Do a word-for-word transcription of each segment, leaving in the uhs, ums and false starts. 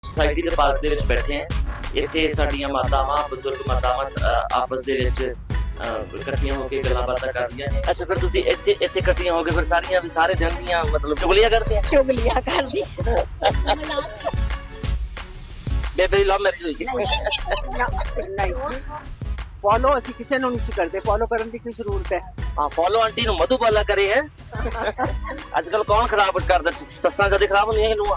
Society के park दे विच बैठे हैं। इत्थे साडीआं मातावां बजुर्ग मातावां आपस दे विच इकट्ठियां होकर गल्लां बातां करदियां ने। अच्छा फिर तुसीं इत्थे इत्थे इकट्ठियां होकर फिर सारियां सारे दिन दियां मतलब चुगलियां करदे आ? चुगलियां करदी बेबे दी लव मैरिज होई? नहीं फॉलो ਅਸੀਂ ਕਿਸੇ ਨੂੰ ਨਹੀਂ ਸੀ ਕਰਦੇ ਫॉलो ਕਰਨ ਦੀ ਕੀ ਜ਼ਰੂਰਤ ਹੈ। हाँ फॉलो आंटी नु मधुबाला करे है। आजकल कौन खराब करदा? सस्सां कदे खराब होंदियां कि नूंहां?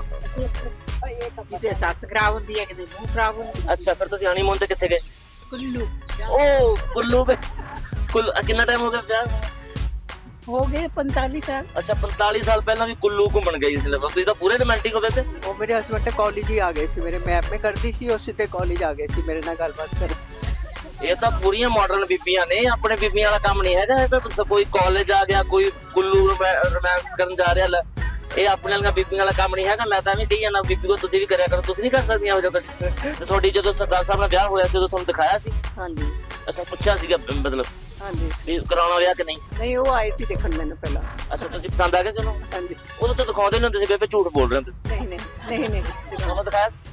ਕਿਤੇ ਸੱਸ ਖਰਾਬ ਹੁੰਦੀ ਹੈ ਕਿਤੇ ਨੂੰ ਖਰਾਬ ਹੁੰਦੀ। अच्छा फिर तुसीं हनीमून ते कित्थे गए? ਕੁੱਲੂ ओ कुल्लू पे कुल कितना टाइम हो गया ब्याह? ਹੋ ਗਏ पैंतालीस ਸਾਲ। अच्छा पैंतालीस साल पहला भी कुल्लू घूमन गई सी। तुसीं तां पूरे रोमांटिक हो गए थे। ਉਹ ਮੇਰੇ ਹਸਬੰਡ ਤੇ ਕਾਲਜ ਹੀ ਆ ਗਏ ਸੀ ਮੇਰੇ ਮੈਪ में ਕਰਦੀ ਸੀ ਉਸੇ ਤੇ ਕਾਲਜ ਆ ਗਏ ਸੀ ਮੇਰੇ ਨਾਲ ਗੱਲਬਾਤ ਕਰ। ਇਹ ਤਾਂ ਪੂਰੀਆਂ ਮਾਡਰਨ ਬੀਬੀਆਂ ਨੇ ਆਪਣੇ ਬੀਬੀਆਂ ਵਾਲਾ ਕੰਮ ਨਹੀਂ ਹੈਗਾ। ਇਹ ਤਾਂ ਕੋਈ ਕਾਲਜ ਆ ਗਿਆ ਕੋਈ ਕੁੱਲੂ ਰੋਮਾਂਸ ਕਰਨ ਜਾ ਰਿਹਾ। ਇਹ ਆਪਣੇ ਵਾਲੀਆਂ ਬੀਬੀਆਂ ਵਾਲਾ ਕੰਮ ਨਹੀਂ ਹੈਗਾ। ਮੈਂ ਤਾਂ ਐਵੇਂ ਕਹੀ ਜਾਂਦਾ ਬੀਬੀ ਕੋ ਤੁਸੀਂ ਵੀ ਕਰਿਆ ਕਰੋ। ਤੁਸੀਂ ਨਹੀਂ ਕਰ ਸਕਦੀਆਂ ਉਹ ਜੋ ਕੁਛ ਤੇ ਤੁਹਾਡੀ ਜਦੋਂ ਸਰਦਾਰ ਸਾਹਿਬ ਨਾਲ ਵਿਆਹ ਹੋਇਆ ਸੀ ਉਦੋਂ ਤੁਹਾਨੂੰ ਦਿਖਾਇਆ ਸੀ? ਹਾਂਜੀ ਅੱਛਾ ਪੁੱਛਿਆ ਸੀਗਾ ਮਤਲਬ ਹਾਂਜੀ ਵੀ ਕਰਾਉਣਾ ਵਿਆਹ ਕਿ ਨਹੀਂ? ਨਹੀਂ ਉਹ ਆਏ ਸੀ ਦੇਖਣ ਮੈਨੂੰ ਪਹਿਲਾਂ। ਅੱਛਾ ਤੁਸੀਂ ਪਸੰਦ ਆ ਗਏ ਸੀ ਉਹਨੂੰ? ਹਾਂਜੀ ਉਦੋਂ ਤਾਂ ਦਿਖਾਉਂਦੇ ਨਹੀਂ ਹੁੰਦੇ ਸੀ ਬੇਬੇ ਝੂਠ ਬੋਲ ਰਹੇ ਹੋ ਤੁਸੀਂ। ਨਹੀਂ ਨਹੀਂ ਨਹੀਂ ਨਹੀਂ ਤੁਹਾਨੂੰ ਦਿਖਾਇਆ ਸੀ?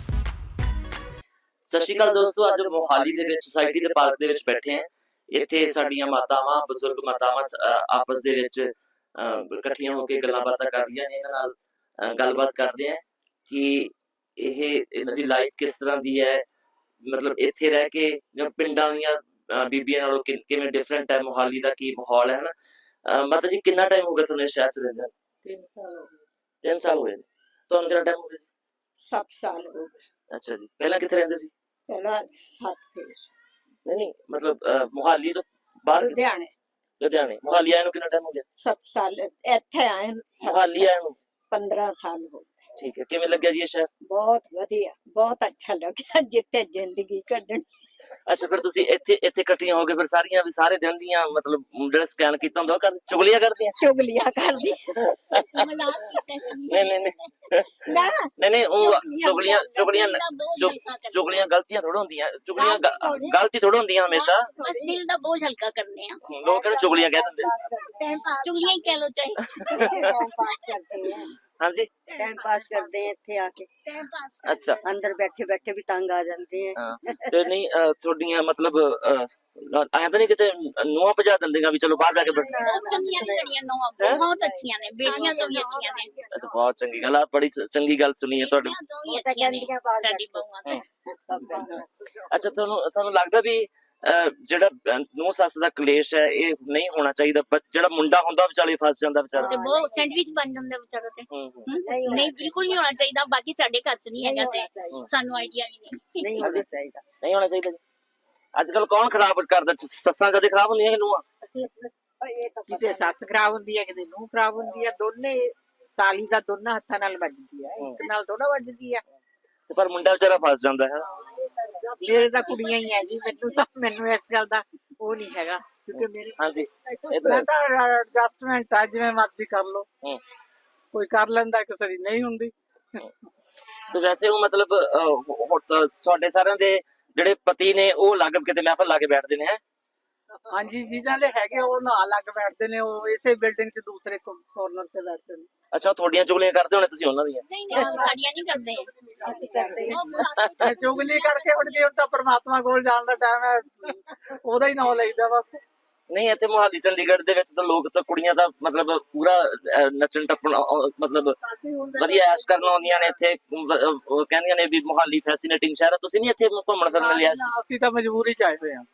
ਸਤਿ ਸ਼੍ਰੀ ਅਕਾਲ ਦੋਸਤੋ, ਅੱਜ ਮੋਹਾਲੀ ਦੇ ਵਿੱਚ ਸੁਸਾਇਟੀ ਦੇ ਪਾਰਕ ਦੇ ਵਿੱਚ ਬੈਠੇ ਹਾਂ। ਇੱਥੇ ਸਾਡੀਆਂ ਮਾਤਾਵਾਂ ਬਜ਼ੁਰਗ ਮਾਤਾਵਾਂ ਆਪਸ ਦੇ ਵਿੱਚ ਇਕੱਠੀਆਂ ਹੋ ਕੇ ਗੱਲਾਂ ਬਾਤਾਂ ਕਰਦੀਆਂ ਨੇ। ਇਹਨਾਂ ਨਾਲ ਗੱਲਬਾਤ ਕਰਦੇ ਆ ਕਿ ਇਹ ਇਹਨਾਂ ਦੀ ਲਾਈਫ ਕਿਸ ਤਰ੍ਹਾਂ ਦੀ ਹੈ, ਮਤਲਬ ਇੱਥੇ ਰਹਿ ਕੇ ਜਾਂ ਪਿੰਡਾਂ ਦੀਆਂ ਬੀਬੀਆਂ ਨਾਲੋਂ ਕਿਵੇਂ ਡਿਫਰੈਂਟ ਹੈ, ਮੋਹਾਲੀ ਦਾ ਕੀ ਮਾਹੌਲ ਹੈ ਨਾ। ਮਾਤਾ ਜੀ ਕਿੰਨਾ ਟਾਈਮ ਹੋ ਗਿਆ ਤੁਹਾਨੂੰ ਇਸ ਸ਼ਹਿਰ 'ਚ ਰਹਿੰਦੇ? ਤਿੰਨ ਸਾਲ ਹੋ ਗਏ। ਤਿੰਨ ਸਾਲ ਹੋਏ ਨੇ। ਤੁਹਾਨੂੰ ਕਿੰਨਾ ਟਾਈਮ ਹੋ ਗਿਆ? ਸੱਤ ਸਾਲ ਹੋ ਗਏ। ਅੱਛਾ ਜੀ, ਪਹਿਲਾਂ ਕਿੱਥੇ ਰਹਿੰਦੇ ਸੀ? ਪਹਿਲਾਂ ਸੱਤ ਫੇਸ ਨਹੀਂ ਨਹੀਂ ਮਤਲਬ ਮੋਹਾਲੀ ਤੋਂ ਬਾਹਰ? ਲੁਧਿਆਣੇ। ਲੁਧਿਆਣੇ। ਮੋਹਾਲੀ ਆਏ ਨੂੰ ਕਿੰਨਾ ਟਾਈਮ ਹੋ ਗਿਆ? ਸੱਤ ਸਾਲ ਇੱਥੇ ਆਏ ਮੋਹਾਲੀ ਆਏ ਨੂੰ ਪੰਦਰਾਂ ਸਾਲ ਹੋ ਗਏ। ਠੀਕ ਹੈ, ਕਿਵੇਂ ਲੱਗਿਆ ਜੀ ਇਹ ਸ਼ਹਿਰ? ਬਹੁਤ ਵਧੀਆ, ਬਹੁਤ ਅੱਛਾ ਲੱਗਿਆ ਜਿੱਥੇ ਜ਼ਿੰਦਗੀ ਕੱਢਣ। ਅੱਛਾ ਫਿਰ ਤੁਸੀਂ ਇੱਥੇ ਇੱਥੇ ਇਕੱਠੀਆਂ ਹੋ ਕੇ ਫਿਰ ਸਾਰੀਆਂ ਵੀ ਸਾਰੇ ਦਿਨ ਦੀਆਂ ਮਤਲਬ ਜਿਹੜਾ ਸਕੈਨ ਕੀਤਾ ਹੁੰਦਾ ਉਹ ਕਰ ਚੁਗਲੀਆਂ ਕਰਦੀਆਂ? ਚੁਗਲੀਆਂ ਕਰਦੀ ਨਹੀਂ ਨਹੀਂ ਨਹੀਂ ਨਾ ਨਹੀਂ ਨਹੀਂ ਉਹ ਚੁਗਲੀਆਂ ਚੁਗਲੀਆਂ ਚੁਗਲੀਆਂ ਗਲਤੀਆਂ ਥੋੜਾ ਹੁੰਦੀਆਂ। ਚੁਗਲੀਆਂ ਗਲਤੀ ਥੋੜਾ ਹੁੰਦੀਆਂ ਹਮੇਸ਼ਾ। बस दिल दा बोझ हल्का करने आ। ਲੋਕ ਕਹਿੰਦੇ ਚੁਗਲੀਆਂ ਕਹਿ ਦਿੰਦੇ। चुगलियां ही कह लो चाहे। टाइम पास करते हैं। ਹਾਂਜੀ टाइम पास करते हैं ਇੱਥੇ ਆ ਕੇ। टाइम पास ਅੱਛਾ ਅੰਦਰ ਬੈਠੇ ਬੈਠੇ ਵੀ ਤੰਗ ਆ ਜਾਂਦੇ हैं। ਹਾਂ ਤੇ ਨਹੀਂ ਤੁਹਾਡੀਆਂ ਮਤਲਬ ਐਂ ਤਾਂ ਨਹੀਂ ਕਿਤੇ ਨੂੰਹਾਂ ਭਜਾ ਦਿੰਦੀਆਂ ਵੀ ਚਲੋ ਬਾਹਰ ਜਾ ਕੇ ਬੈਠ? बहुत चंगियां ने जड़ियां नौवां बहुत अच्छियां ने, बेटियां तो भी अच्छियां ने। ਅੱਛਾ ਬਹੁਤ ਚੰਗੀ ਗੱਲ ਆ, ਬੜੀ ਚੰਗੀ ਗੱਲ ਸੁਣੀ ਹੈ ਤੁਹਾਡੀ। बेटियां तो भी अच्छियां ने साडी बहुआं तो। ਅੱਛਾ ਤੁਹਾਨੂੰ ਤੁਹਾਨੂੰ ਲੱਗਦਾ ਵੀ ਜਿਹੜਾ ਨੂੰਹ ਸੱਸ ਦਾ ਕਲੇਸ਼ ਹੈ ਇਹ ਨਹੀਂ ਹੋਣਾ ਚਾਹੀਦਾ? ਜਿਹੜਾ ਮੁੰਡਾ ਹੁੰਦਾ ਵਿਚਾਲੇ ਫਸ ਜਾਂਦਾ ਵਿਚਾਰਾ ਤੇ ਬਹੁਤ ਸੈਂਡਵਿਚ ਬਣ ਜਾਂਦਾ ਵਿਚਾਰਾ ਤੇ। ਨਹੀਂ ਬਿਲਕੁਲ ਨਹੀਂ ਹੋਣਾ ਚਾਹੀਦਾ। ਬਾਕੀ ਸਾਡੇ ਘਰ 'ਚ ਨਹੀਂ ਹੈਗਾ ਤੇ ਸਾਨੂੰ ਆਈਡੀਆ ਵੀ ਨਹੀਂ। ਨਹੀਂ ਹੋਣਾ ਚਾਹੀਦਾ। ਨਹੀਂ ਹੋਣਾ ਚਾਹੀਦਾ। ਅੱਜ ਕੱਲ ਕੌਣ ਖਰਾਬ ਕਰਦਾ? ਸੱਸਾਂ ਕਦੇ ਖਰਾਬ ਹੁੰਦੀਆਂ ਕਿ ਨੂੰਹਾਂ? ਕਿਤੇ ਸੱਸ ਖਰਾਬ ਹੁੰਦੀ ਹੈ ਕਿਤੇ ਨੂੰਹ ਖਰਾਬ ਹੁੰਦੀ ਹੈ। ਦੋਨੇ ਤਾਲੀ ਦਾ ਦੋਨਾਂ ਹੱਥਾਂ ਨਾਲ ਵੱਜਦੀ ਹੈ, ਇੱਕ ਨਾਲ ਥੋੜਾ ਵੱਜਦੀ ਹੈ। ਤੇ ਪਰ ਮੁੰਡਾ ਵਿਚਾਰਾ ਫਸ ਜਾਂਦਾ ਹੈ। ਮੇਰੇ ਤਾਂ ਕੁੜੀਆਂ ਹੀ ਹੈ ਜੀ, ਮੈਨੂੰ ਤਾਂ ਮੈਨੂੰ ਇਸ ਗੱਲ ਦਾ ਉਹ ਨਹੀਂ ਹੈਗਾ ਕਿਉਂਕਿ ਮੇਰੇ ਹਾਂਜੀ ਮੈਂ ਤਾਂ ਐਡਜਸਟਮੈਂਟ ਆ, ਜਿਵੇਂ ਮਰਜ਼ੀ ਕਰ ਲੋ। ਕੋਈ ਕਰ ਲੈਂਦਾ ਕਿਸੇ ਦੀ ਨਹੀਂ ਹੁੰਦੀ। ਤੇ ਵੈਸੇ ਉਹ ਮਤਲਬ ਤੁਹਾਡੇ ਸਾਰਿਆਂ ਦੇ ਜਿਹੜੇ ਪਤੀ ਨੇ ਉਹ ਅਲੱਗ ਕਿਤੇ ਮਹਿਫਲ ਲਾ ਕੇ ਬੈਠਦੇ ਨੇ? ਹੈ ਹਾਂਜੀ ਜਿਹਨਾਂ ਦੇ ਹੈਗੇ ਉਹ ਨਾਲ ਲੱਗ ਬੈਠਦੇ ਨੇ, ਉਹ ਇਸੇ ਬਿਲਡਿੰਗ 'ਚ ਦੂਸਰੇ ਕੋਰਨਰ 'ਤੇ ਬੈਠਦੇ ਨੇ। ਅੱਛਾ ਤੁਹਾਡੀਆਂ ਚੁਗਲੀਆਂ ਕਰਦੇ ਹੋਣੇ ਤੁਸੀਂ ਉਹਨਾਂ ਦੀਆਂ? ਨਹੀਂ ਨਹੀਂ ਸਾਡੀਆਂ ਨਹੀਂ ਕਰਦੇ। ਅਸੀਂ ਕਰਦੇ ਹਾਂ ਚੁਗਲੀ ਕਰਕੇ ਹੁਣ ਜੀ ਹੁਣ ਤਾਂ ਪ੍ਰਮਾਤਮਾ ਕੋਲ ਜਾਣ ਦਾ ਟਾਈਮ ਹੈ, ਉਹਦਾ ਹੀ ਨਾਮ ਲਈਦਾ ਬਸ। ਨਹੀਂ ਇੱਥੇ ਮੋਹਾਲੀ ਚੰਡੀਗੜ੍ਹ ਦੇ ਵਿੱਚ ਤਾਂ ਲੋਕ ਤਾਂ ਕੁੜੀਆਂ ਦਾ ਮਤਲਬ ਪੂਰਾ ਨੱਚਣ ਟੱਪਣ ਮਤਲਬ ਵਧੀਆ ਐਸ਼ ਕਰਨ ਆਉਂਦੀਆਂ ਨੇ ਇੱਥੇ। ਉਹ ਕਹਿੰਦੀਆਂ ਨੇ ਵੀ ਮੋਹਾਲੀ ਫੈਸੀਨੇਟਿੰਗ ਸ਼ਹਿਰ ਹੈ। ਤੁਸੀਂ ਨਹੀਂ ਇੱਥੇ ਘੁੰਮਣ ਫਿਰਨ ਲਈ ਆਏ? ਅਸੀਂ ਤਾਂ ਮਜਬੂਰੀ ਚ ਆਏ ਹੋਏ ਹਾਂ।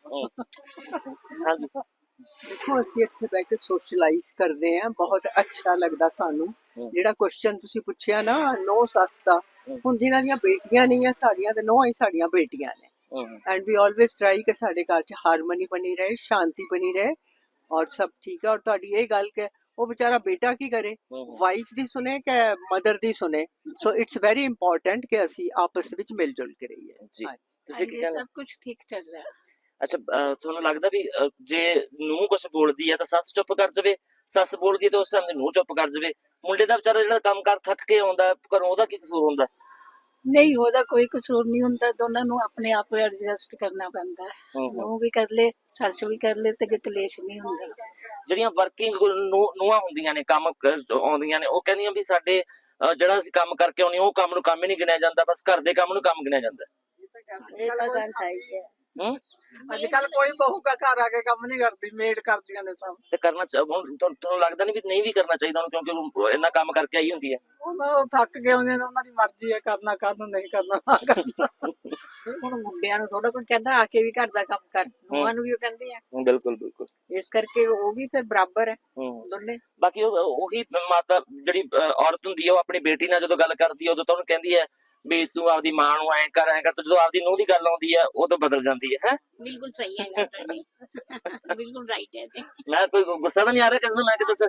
ਹਾਂਜੀ ਦੇਖੋ ਅਸੀਂ ਇੱਥੇ ਬਹਿ ਕੇ ਸੋਸ਼ਲਾਈਜ਼ ਕਰਦੇ ਹਾਂ, ਬਹੁਤ ਅੱਛਾ ਲੱਗਦਾ ਸਾਨੂੰ। ਜਿਹੜਾ ਕੁਐਸਚਨ ਤੁਸੀਂ ਪੁੱਛਿਆ ਨਾ ਨੋ ਸੱਸ ਦਾ, ਹੁਣ ਜਿਨ੍ਹਾਂ ਦੀਆਂ ਬੇਟੀਆਂ ਨਹੀਂ ਆ ਸਾਡੀਆਂ ਤੇ ਨੋ ਹੀ ਸਾਡੀਆਂ ਬੇਟੀਆਂ ਨੇ। एंड वी ऑलवेज ट्राई कि साढ़े घर च हारमोनी बनी रहे, शांति बनी रहे और सब ठीक है। और तुहाडी ये गल कि वो बेचारा बेटा की करे, वाइफ दी सुने कि मदर दी सुने। सो इट्स वेरी इंपॉर्टेंट कि असी आपस विच मिलजुल के रहिए जी। ਤੁਸੀਂ ਕੀ ਕਹਿੰਦੇ? सब कुछ ठीक चल रहा है। ਅੱਛਾ ਤੁਹਾਨੂੰ ਲੱਗਦਾ ਵੀ ਜੇ ਨੂੰਹ ਕੁਛ ਬੋਲਦੀ ਹੈ ਤਾਂ ਸੱਸ ਚੁੱਪ ਕਰ ਜਾਵੇ, ਸੱਸ ਬੋਲਦੀ ਹੈ ਤਾਂ ਉਸ ਟਾਈਮ ਤੇ ਨੂੰਹ ਚੁੱਪ ਕਰ ਜਾਵੇ? ਮੁੰਡੇ ਦਾ ਵਿਚਾਰਾ ਜਿਹੜਾ ਕੰਮ ਕਰ ਥੱਕ ਕੇ ਆਉਂਦਾ ਘਰੋਂ, ਉਹਦਾ ਕੀ ਕਸੂਰ ਹੁੰਦਾ? नहीं ਉਹਦਾ ਕੋਈ ਕਸੂਰ ਨਹੀਂ ਹੁੰਦਾ। ਦੋਨਾਂ ਨੂੰ ਆਪਣੇ ਆਪ ਐਡਜਸਟ ਕਰਨਾ ਪੈਂਦਾ ਹੈ। ਉਹ ਵੀ ਕਰ ਲੇ ਸੱਸ ਵੀ ਕਰ ਲੇ ਤੇ ਕਲੇਸ਼ ਨਹੀਂ ਹੁੰਦਾ। ਜਿਹੜੀਆਂ ਵਰਕਿੰਗ ਨੂੰਹਾਂ ਹੁੰਦੀਆਂ ਨੇ ਕੰਮ ਆਉਂਦੀਆਂ ਨੇ ਉਹ ਕਹਿੰਦੀਆਂ ਵੀ ਸਾਡੇ ਅਹ ਜਿਹੜਾ ਅਸੀਂ ਕੰਮ ਕਰਕੇ ਆਉਣੀ ਉਹ ਕੰਮ ਨੂੰ ਕੰਮ ਹੀ ਨਹੀਂ ਗਿਣਿਆ ਜਾਂਦਾ, ਬਸ ਘਰ ਦੇ ਕੰਮ ਨੂੰ ਕੰਮ ਗਿਣਿਆ ਜਾਂਦਾ। ਇਹ ਤਾਂ ਗੱਲ ਸਹੀ ਹੈ। ਹੂੰ ਅੱਜ ਕੱਲ ਕੋਈ ਬਹੂ ਦਾ ਘਰ ਆ ਕੇ ਕੰਮ ਨਹੀਂ ਕਰਦੀ, ਮੇਡ ਕਰਦੀਆਂ ਨੇ ਸਭ। ਤੇ ਕਰਨਾ ਚਾ- ਹੁਣ ਤੁਹਾਨੂੰ ਤੁਹਾਨੂੰ ਲੱਗਦਾ ਨਹੀਂ ਵੀ ਨਹੀਂ ਵੀ ਕਰਨਾ ਚਾਹੀਦਾ ਉਹਨੂੰ, ਕਿਉਂਕਿ ਉਹ ਇੰਨਾ ਕੰਮ ਕਰਕੇ ਆਈ ਹੁੰਦੀ ਹੈ। ਉਹ ਥੱਕ ਗਏ ਹੁੰਦੇ ਨੇ, ਉਹਨਾਂ ਦੀ ਮਰਜ਼ੀ ਹੈ, ਕਰਨਾ ਕਰਨ ਨਹੀਂ ਕਰਨਾ ਨਾ ਕਰਨਾ। ਹੁਣ ਮੁੰਡਿਆਂ ਨੂੰ ਥੋੜਾ ਕੋਈ ਕਹਿੰਦਾ ਆ ਕੇ ਵੀ ਘਰ ਦਾ ਕੰਮ ਕਰ, ਨੂੰਹਾਂ ਨੂੰ ਵੀ ਉਹ ਕਹਿੰਦੇ ਆ, ਹੂੰ, ਬਿਲਕੁਲ ਬਿਲਕੁਲ। ਇਸ ਕਰਕੇ ਉਹ ਵੀ ਫਿਰ ਬਰਾਬਰ ਹੈ ਹੂੰ ਦੋਨੇ। ਬਾਕੀ ਉਹ ਉਹੀ ਮਾਤਾ ਜਿਹੜੀ ਅਹ, ਔਰਤ ਹੁੰਦੀ ਹੈ, ਉਹ ਆਪਣੀ ਬੇਟੀ ਨਾਲ ਜਦੋਂ ਗੱਲ ਕਰਦੀ ਹੈ ਉਦੋਂ ਤਾਂ ਉਹਨੂੰ ਕਹਿੰਦੀ ਹੈ ਵੀ ਤੂੰ ਆਪਦੀ ਮਾਂ ਨੂੰ ਐਂ ਕਰ ਐਂ ਕਰ, ਤੇ ਜਦੋਂ ਆਪਦੀ ਨੂੰਹ ਦੀ ਗੱਲ ਆਉਂਦੀ ਹੈ ਉਹ ਤਾਂ ਬਦਲ ਜਾਂਦੀ ਹੈ। ਹੈ ਬਿਲਕੁਲ ਸਹੀ ਹੈ ਗੱਲ ਤੁਹਾਡੀ ਬਿਲਕੁਲ ਰਾਈਟ ਹੈ ਤੇ ਮੈਂ ਕੋਈ ਗੁੱਸਾ ਤਾਂ ਨਹੀਂ ਆ ਰਿਹਾ ਕਿਸੇ ਨੂੰ, ਮੈਂ ਕਿ ਦੱਸ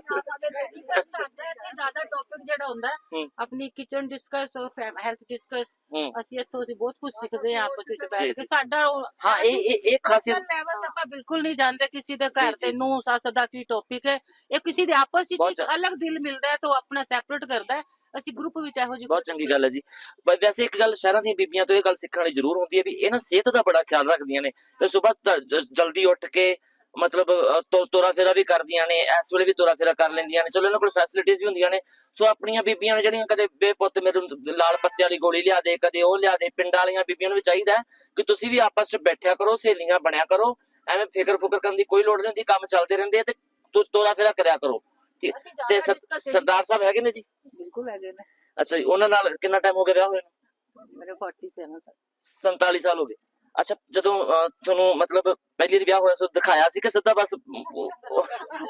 ਜ਼ਿਆਦਾ ਟੌਪਿਕ ਜਿਹੜਾ ਹੁੰਦਾ ਹੂੰ। ਆਪਣੀ ਕਿਚਨ ਡਿਸਕਸ ਹੈਲਥ ਡਿਸਕਸ ਹੂੰ ਅਸੀਂ ਇੱਥੋਂ ਅਸੀਂ ਬਹੁਤ ਕੁਝ ਸਿੱਖਦੇ ਹਾਂ ਆਪਸ ਵਿੱਚ ਜੀ, ਬੈਠ ਜੀ। ਕੇ। ਸਾਡਾ ਹਾਂ ਇਹ ਇਹ ਇਹ ਖਾਸੀਅਤ ਲੈਵਲ ਆਪਾਂ ਬਿਲਕੁਲ ਨਹੀਂ ਜਾਣਦੇ ਕਿਸੇ ਦੇ ਘਰ ਜੀ, ਤੇ ਜੀ। ਨੂੰ ਸੱਸ ਦਾ ਕੀ ਟੌਪਿਕ ਹੈ, ਇਹ ਕਿਸੇ ਦੇ ਆਪਸ ਵਿੱਚ ਬਹੁਤ ਇੱਕ ਚੰਗਾ। ਅਲੱਗ ਦਿਲ ਮਿਲਦਾ ਹੈ ਤਾਂ ਉਹ ਆਪਣਾ ਸੈਪਰੇਟ ਕਰਦਾ ਹੈ। ਅਸੀਂ ਗਰੁੱਪ ਵਿੱਚ ਇਹੋ ਜਿਹੀ ਬਹੁਤ ਚੰਗੀ ਗੱਲ ਹੈ ਜੀ। ਪਰ ਵੈਸੇ ਇੱਕ ਗੱਲ ਸ਼ਹਿਰਾਂ ਦੀਆਂ ਬੀਬੀਆਂ ਤੋਂ ਇਹ ਗੱਲ ਸਿੱਖਣ ਵਾਲੀ ਜ਼ਰੂਰ ਹੁੰਦੀ ਹੈ ਵੀ ਇਹ ਨਾ ਸਿਹਤ ਦਾ ਬੜਾ ਖਿਆਲ ਰੱਖਦੀਆਂ ਨੇ, ਤੇ ਸਵੇਰ ਜਲਦੀ ਉੱਠ ਕੇ ਮਤਲਬ ਅਹ, ਤੁ- ਤੁਰਾ ਫੇਰਾ ਵੀ ਕਰਦੀਆਂ ਨੇ, ਇਸ ਵੇਲੇ ਵੀ ਤੁਰਾ ਫੇਰਾ ਕਰ ਲੈਂਦੀਆਂ ਨੇ। ਚਲੋ ਇਹਨਾਂ ਕੋਲ ਫੈਸਿਲਿਟੀਆਂ ਵੀ ਹੁੰਦੀਆਂ ਨੇ। ਸੋ ਆਪਣੀਆਂ ਬੀਬੀਆਂ ਨੇ ਜਿਹੜੀਆਂ ਕਦੇ ਬੇਪੁੱਤ ਮੇਰੇ ਨੂੰ ਲਾਲ ਪੱਤੇ ਵਾਲੀ ਗੋਲੀ ਲਿਆ ਦੇ, ਕਦੇ ਉਹ ਲਿਆ ਦੇ, ਪਿੰਡਾਂ ਵਾਲੀਆਂ ਬੀਬੀਆਂ ਨੂੰ ਵੀ ਚਾਹੀਦਾ ਹੈ ਕਿ ਤੁਸੀਂ ਵੀ ਆਪਸ 'ਚ ਬੈਠਿਆ ਕਰੋ, ਸਹੇਲੀਆਂ ਬਣਿਆ ਕਰੋ, ਐਵੇਂ ਫਿਕਰ ਫੁਕਰ ਕਰਨ ਦੀ ਕੋਈ ਲੋੜ ਨਹੀਂ ਹੁੰਦੀ, ਕੰਮ ਚੱਲਦੇ ਰਹਿੰਦੇ ਆ ਤੇ ਤੁ- ਤੁਰਾ ਫੇਰਾ ਕਰਿਆ ਕਰੋ। ਠੀਕ। ਤੇ ਸਰ- ਸਰਦਾਰ ਸਾਹਿਬ ਹੈਗੇ ਨੇ ਜੀ? ਬਿਲਕੁਲ ਹੈਗੇ ਨੇ ਅੱਛਾ ਜੀ, ਉਹਨਾਂ ਨਾਲ ਕਿੰਨਾ ਟਾਈਮ ਹੋ ਗਿਆ ਵਿਆਹ ਹੋਏ ਨੂੰ? ਮੇਰੇ ਸੈਂਤਾਲੀ ਸਾਲ। ਸੰਤਾਲੀ ਸਾਲ ਹੋ ਗਏ। ਅੱਛਾ, ਜਦੋਂ ਅਹ, ਤੁਹਾਨੂੰ ਮਤਲਬ ਪਹਿਲੀ ਵਾਰ ਵਿਆਹ ਹੋਇਆ ਸੀ ਦਿਖਾਇਆ ਸੀ ਕਿ ਸਿੱਧਾ ਬਸ ਉਹ- ਉਹ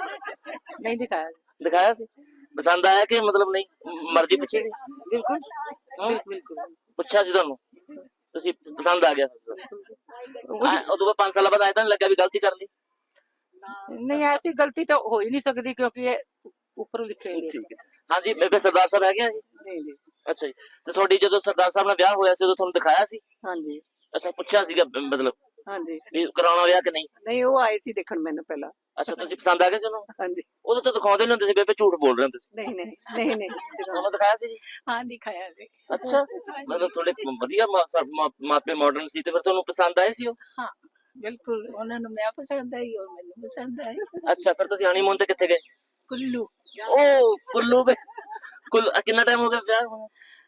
ਨਹੀਂ ਦਿਖਾਇਆ। ਦਿਖਾਇਆ ਸੀ? ਪਸੰਦ ਆਇਆ ਕਿ ਮਤਲਬ ਨਹੀਂ ਮਰਜ਼ੀ ਪੁੱਛੀ ਸੀ? ਬਿਲਕੁਲ ਹੂੰ? ਬਿਲਕੁਲ ਬਿਲਕੁਲ ਪੁੱਛਿਆ ਸੀ ਤੁਹਾਨੂੰ, ਤੁਸੀਂ ਪਸੰਦ ਆ ਗਿਆ ਫਿਰ? ਆ, ਉਦੋਂ ਬਾਅਦ ਪੰਜ ਸਾਲਾਂ ਬਾਅਦ ਆਇਆ ਤਾਂ ਨੀ ਲੱਗਿਆ ਵੀ ਗਲਤੀ ਕਰ ਲਈ? ਨਹੀਂ ਐਸੀ ਗਲਤੀ ਤਾਂ ਹੋ ਹੀ ਨਹੀਂ ਸਕਦੀ ਕਿਉਂਕਿ ਇਹ ਉੱਪਰ ਲਿਖੇ ਹੋਏ ਠੀਕ ਹੈ। ਹਾਂਜੀ, ਬੇਬੇ ਸਰਦਾਰ ਸਾਹਿਬ ਹੈਗੇ ਆ ਜੀ? ਨਹੀਂ ਜੀ। ਅੱਛਾ ਜੀ, ਤੇ ਤੁਹਾਡੀ ਜਦੋਂ ਸਰਦਾਰ ਸਾਹਿਬ ਨਾਲ ਵਿਆਹ ਹੋਇਆ ਸੀ ਉਦੋਂ ਤੁਹਾਨੂੰ ਦਿਖਾਇਆ ਸੀ? ਹਾਂਜੀ ਅੱਛਾ, ਪੁੱਛਿਆ ਸੀਗਾ ਬ- ਮਤਲਬ ਹਾਂਜੀ। ਵੀ ਕਰਾਉਣਾ ਵਿਆਹ ਕਿ ਨਹੀਂ? ਨਹੀਂ ਉਹ ਆਏ ਸੀ ਦੇਖਣ ਮੈਨੂੰ ਪਹਿਲਾਂ। ਅੱਛਾ, ਤੁਸੀਂ ਪਸੰਦ ਆ ਗਏ ਸੀ ਉਹਨੂੰ? ਹਾਂਜੀ। ਉਦੋਂ ਤਾਂ ਦਿਖਾਉਂਦੇ ਨਹੀਂ ਹੁੰਦੇ ਸੀ ਬੇਬੇ, ਝੂਠ ਬੋਲ ਰਹੇ ਹੋ ਤੁਸੀਂ। ਨਹੀਂ ਨਹੀਂ ਨਹੀਂ ਨਹੀਂ ਤੁਹਾਨੂੰ ਦਿਖਾਇਆ ਸੀ ਜੀ? ਹਾਂ ਦਿਖਾਇਆ ਜੀ। ਅੱਛਾ, ਮਤਲਬ ਥੋੜੇ ਵਧੀਆ ਮਾ- ਮਾ- ਮਾਪੇ ਮਾਡਰਨ ਸੀ ਤੇ ਫਿਰ ਤੁਹਾਨੂੰ ਪਸੰਦ ਆਏ ਸੀ ਉਹ? ਹਾਂ ਬਿਲਕੁਲ ਉਹਨਾਂ ਨੂੰ ਮੈਂ ਪਸੰਦ ਆਈ ਔਰ ਮੈਨੂੰ ਪਸੰਦ ਆਈ। ਅੱਛਾ, ਫਿਰ ਤੁਸੀਂ ਹਨੀਮੂਨ ਤੇ ਕਿੱਥੇ ਗਏ? ਕੁੱਲੂ ਉਹ ਕੁੱਲੂ ਵੇ ਕੁੱਲ ਕਿੰਨਾ ਟਾਈਮ ਹੋ ਗਿਆ ਵਿਆਹ ਹੋਇਆ?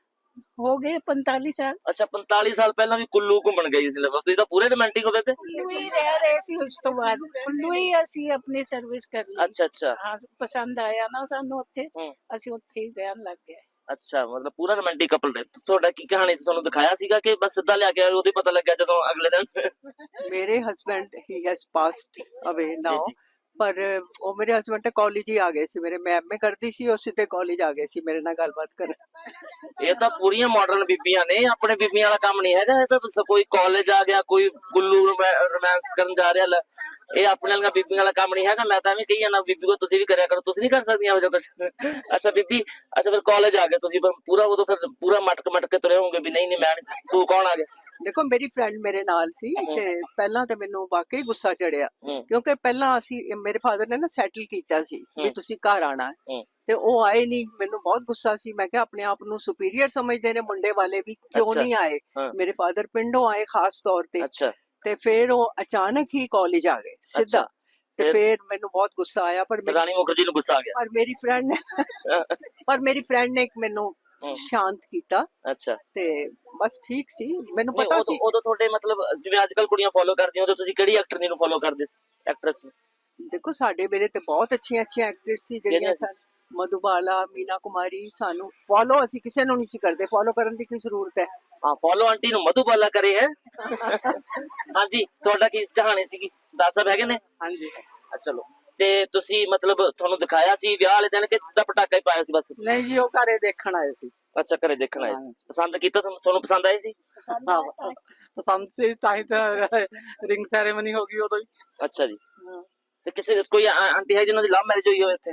ਹੋ ਗਏ ਪੰਤਾਲੀ ਸਾਲ। ਅੱਛਾ, ਪੰਤਾਲੀ ਸਾਲ ਪਹਿਲਾਂ ਵੀ ਕੁੱਲੂ ਘੁੰਮਣ ਗਈ ਸੀ ਲਗਾ, ਤੁਸੀਂ ਤਾਂ ਪੂਰੇ ਰੋਮਾਂਟਿਕ ਹੋ ਬੇਬੇ। ਕੁੱਲੂ ਹੀ ਰਹਿ ਰਹੇ ਸੀ ਉਸ ਤੋਂ ਬਾਅਦ ਕੁੱਲੂ ਹੀ ਅਸੀਂ ਆਪਣੀ ਸਰਵਿਸ ਕਰ ਲਈ। ਅੱਛਾ ਅੱਛਾ ਹਾਂ ਪਸੰਦ ਆਇਆ ਨਾ ਸਾਨੂੰ ਉੱਥੇ, ਹੂੰ। ਅਸੀਂ ਉੱਥੇ ਹੀ ਰਹਿਣ ਲੱਗ ਗਏ। ਅੱਛਾ, ਮਤਲਬ ਪੂਰਾ ਰੋਮਾਂਟਿਕ ਕਪਲ ਰਹੇ। ਤੁਹਾਡਾ ਕੀ ਕਹਾਣੀ ਸੀ, ਤੁਹਾਨੂੰ ਦਿਖਾਇਆ ਸੀਗਾ ਕਿ ਬਸ ਸਿੱਧਾ ਲਿਆ ਕੇ ਉਹਦੇ ਪਤਾ ਲੱਗਿਆ ਜਦੋਂ ਅਗਲੇ ਦਿਨ? ਮੇਰੇ ਹਸਬੈਂਡ ਹੀ ਹੈਜ਼ ਪਾਸਡ ਅਵੇ ਨਾਓ, ਜੀ। ਪਰ ਉਹ ਮੇਰੇ ਹਸਬੈਂਡ ਤੇ ਕਾਲਜ ਹੀ ਆ ਗਏ ਸੀ। ਮੇਰੇ ਮੈਂ ਐਮਏ ਕਰਦੀ ਸੀ, ਉਹ ਸਿੱਧੇ ਕਾਲਜ ਆ ਗਏ ਸੀ ਮੇਰੇ ਨਾਲ ਗੱਲਬਾਤ ਕਰਨ। ਇਹ ਤਾਂ ਪੂਰੀਆਂ ਮਾਡਰਨ ਬੀਬੀਆਂ ਨੇ, ਆਪਣੇ ਬੀਬੀਆਂ ਵਾਲਾ ਕੰਮ ਨਹੀਂ ਹੈਗਾ। ਇਹ ਤਾਂ ਬਸ ਕੋਈ ਕਾਲਜ ਆ ਗਿਆ, ਕੋਈ ਕੁੱਲੂ ਰੋਮਾਂਸ ਕਰਨ ਜਾ ਰਿਹਾ, ਲੈ ਇਹ ਆਪਣੇ ਵਾਲੀਆਂ ਬੀਬੀਆਂ ਵਾਲਾ ਕੰਮ ਨਹੀਂ ਹੈਗਾ। ਮੈਂ ਤਾਂ ਐਵੇਂ ਕਹੀ ਜਾਂਦਾ ਬੀਬੀ ਕੋ ਤੁਸੀਂ ਵੀ ਕਰਿਆ ਕਰੋ, ਤੁਸੀਂ ਨਹੀਂ ਕਰ ਸਕਦੀਆਂ ਇਹੋ ਜਿਹਾ ਕੁਛ? ਅੱਛਾ ਬੀਬੀ, ਅੱਛਾ ਫਿਰ ਕਾਲਜ ਆ ਗਏ ਤੁਸੀਂ, ਪਰ ਪੂਰਾ ਉਦੋਂ ਫਿਰ ਪੂਰਾ ਮਟਕ ਮਟਕ ਕੇ ਤੁਰੇ ਹੋਗੇ ਵੀ ਨਹੀਂ ਨਹੀਂ ਮੈਂ ਨੀ- ਤੂੰ ਕੌਣ ਆ ਗਿਆ? ਦੇਖੋ ਮੇਰੀ ਫਰੈਂਡ ਮੇਰੇ ਨਾਲ ਸੀ ਤੇ ਪਹਿਲਾਂ ਤੇ ਮੈਨੂੰ ਵਾਕਈ ਗੁੱਸਾ ਚੜਿਆ, ਹੂੰ। ਕਿਉਂਕਿ ਪਹਿਲਾਂ ਅਸੀਂ ਮੇਰੇ ਫਾਦਰ ਨੇ ਨਾ ਸੈਟਲ ਕੀਤਾ ਸੀ ਵੀ ਹੂੰ। ਤੁਸੀਂ ਘਰ ਆਣਾ ਹੈ, ਹੂੰ। ਤੇ ਉਹ ਆਏ ਨਹੀਂ। ਮੈਨੂੰ ਬਹੁਤ ਗੁੱਸਾ ਸੀ, ਮੈਂ ਕਿਹਾ ਆਪਣੇ ਆਪ ਨੂੰ ਸੁਪੀਰੀਅਰ ਸਮਝਦੇ ਨੇ ਮੁੰਡੇ ਵਾਲੇ ਵੀ, ਕਿਉਂ ਅੱਛਾ। ਨਹੀਂ ਆਏ? ਹਾਂ। ਮੇਰੇ ਫਾਦਰ ਪਿੰਡੋਂ ਆਏ ਖਾਸ ਤੌਰ ਤੇ, ਅੱਛਾ, ਤੇ ਫਿਰ ਉਹ ਅਚਾਨਕ ਹੀ ਕਾਲਜ ਆ ਗਏ ਸਿੱਧਾ। ਤੇ ਫਿਰ? ਫਿਰ ਮੈਨੂੰ ਬਹੁਤ ਗੁੱਸਾ ਆਇਆ, ਪਰ ਮੇਰੀ ਰਾਣੀ ਮੁਖਰਜੀ ਨੂੰ ਗੁੱਸਾ ਆ ਗਿਆ? ਪਰ ਮੇਰੀ ਫਰੈਂਡ ਨੇ ਪਰ ਮੇਰੀ ਫਰੈਂਡ ਨੇ ਇੱਕ ਮੈਨੂੰ ਹੂੰ। ਸ਼ਾਂਤ ਕੀਤਾ ਅੱਛਾ, ਤੇ ਬਸ ਠੀਕ ਸੀ। ਮੈਨੂੰ ਨਹੀਂ ਪਤਾ ਉਦੋਂ ਸੀ ਉਦੋਂ ਤੁਹਾਡੇ ਮਤਲਬ ਜਿਵੇਂ ਅੱਜ ਕੱਲ ਕੁੜੀਆਂ ਫੋਲੋ ਕਰਦੀਆਂ, ਉਦੋਂ ਤੁਸੀਂ ਕਿਹੜੀ ਐਕਟਰ ਨੂੰ ਫੋਲੋ ਕਰਦੇ ਸੀ, ਐਕਟਰੈਸ ਨੂੰ? ਦੇਖੋ ਸਾਡੇ ਵੇਲੇ ਤੇ ਬਹੁਤ ਅੱਛੀਆਂ ਅੱਛੀਆਂ ਐਕਟਰਸ ਸੀ ਕਿਹੜੀਆਂ ਜਿਹੜੀਆਂ ਸੀ? ਸਨ, ਮਧੂਬਾਲਾ, ਮੀਨਾ ਕੁਮਾਰੀ। ਸਾਨੂੰ ਫੋਲੋ ਅਸੀਂ ਕਿਸੇ ਨੂੰ ਨਹੀਂ ਸੀ ਕਰਦੇ, ਫੋਲੋ ਕਰਨ ਦੀ ਕੀ ਜ਼ਰੂਰਤ ਹੈ? ਹਾਂ, ਫੋਲੋ ਆਂਟੀ ਨੂੰ ਮਧੂਬਾਲਾ ਕਰੇ ਹੈ। ਹਾਂਜੀ, ਤੁਹਾਡਾ ਕੀ ਕਹਾਣੀ ਸੀਗੀ? ਸਰਦਾਰ ਸਾਹਿਬ ਹੈਗੇ ਨੇ? ਹਾਂਜੀ। ਆ, ਚਲੋ। ਤੇ ਤੁਸੀਂ ਮਤਲਬ ਤੁਹਾਨੂੰ ਦਿਖਾਇਆ ਸੀ ਵਿਆਹ ਵਾਲੇ ਦਿਨ ਕਿ ਸਿੱਧਾ ਪਟਾਕਾ ਹੀ ਪਾਇਆ ਸੀ ਬਸ? ਨਹੀਂ ਜੀ, ਉਹ ਘਰੇ ਦੇਖਣ ਆਏ ਸੀ। ਅੱਛਾ, ਘਰੇ ਦੇਖਣ ਆਏ ਸੀ। ਪਸੰਦ ਕੀਤਾ ਤੁਹਾਨੂੰ? ਤੁਹਾਨੂੰ ਪਸੰਦ ਆਏ ਸੀ? ਹਾਂ, ਪਸੰਦ ਸੀ, ਤਾਂ ਹੀ ਤਾਂ ਰਿੰਗ ਸੈਰੇਮਨੀ ਹੋ ਗਈ ਉਦੋਂ ਹੀ। ਅੱਛਾ ਜੀ। ਤੇ ਕਿਸੇ ਕੋਈ ਆ- ਆਂਟੀ ਹੈ ਜਿਹਨਾਂ ਦੀ ਲਵ ਮੈਰਿਜ ਹੋਈ ਹੋਵੇ ਇੱਥੇ?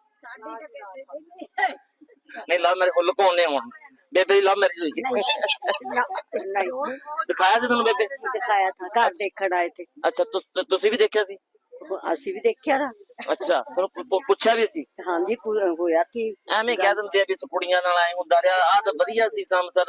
ਨਹੀਂ, ਲਵ ਮੈਰਿਜ ਹੁੱਲ ਕੋਨੇ ਹੁਣ ਬੇਬੇ ਦੀ ਲਵ ਮੈਰਿਜ ਹੋਈ ਹੈ? ਨਹੀਂ ਦਿਖਾਇਆ ਸੀ ਤੁਹਾਨੂੰ ਬੇਬੇ? ਦਿਖਾਇਆ ਥਾ, ਘਰ ਦੇਖਣ ਆਏ ਥੇ। ਅੱਛਾ, ਤੁ- ਤੁ- ਤੁਸੀਂ ਵੀ ਦੇਖਿਆ ਸੀ? ਅਸੀਂ ਵੀ ਦੇਖਿਆ ਨਾ। ਅੱਛਾ, ਤੁਹਾਨੂੰ ਪੁ- ਪੁ- ਪੁੱਛਿਆ ਵੀ ਸੀ? ਹਾਂਜੀ ਪੂਰਾ ਹੋਇਆ ਸੀ। ਐਵੇਂ ਕਹਿ ਦਿੰਦੇ ਆ ਵੀ ਇਸ ਕੁੜੀਆਂ ਨਾਲ ਐ ਹੁੰਦਾ ਰਿਹਾ, ਆਹ ਤਾਂ ਵਧੀਆ ਸੀ ਕੰਮ ਸਰ,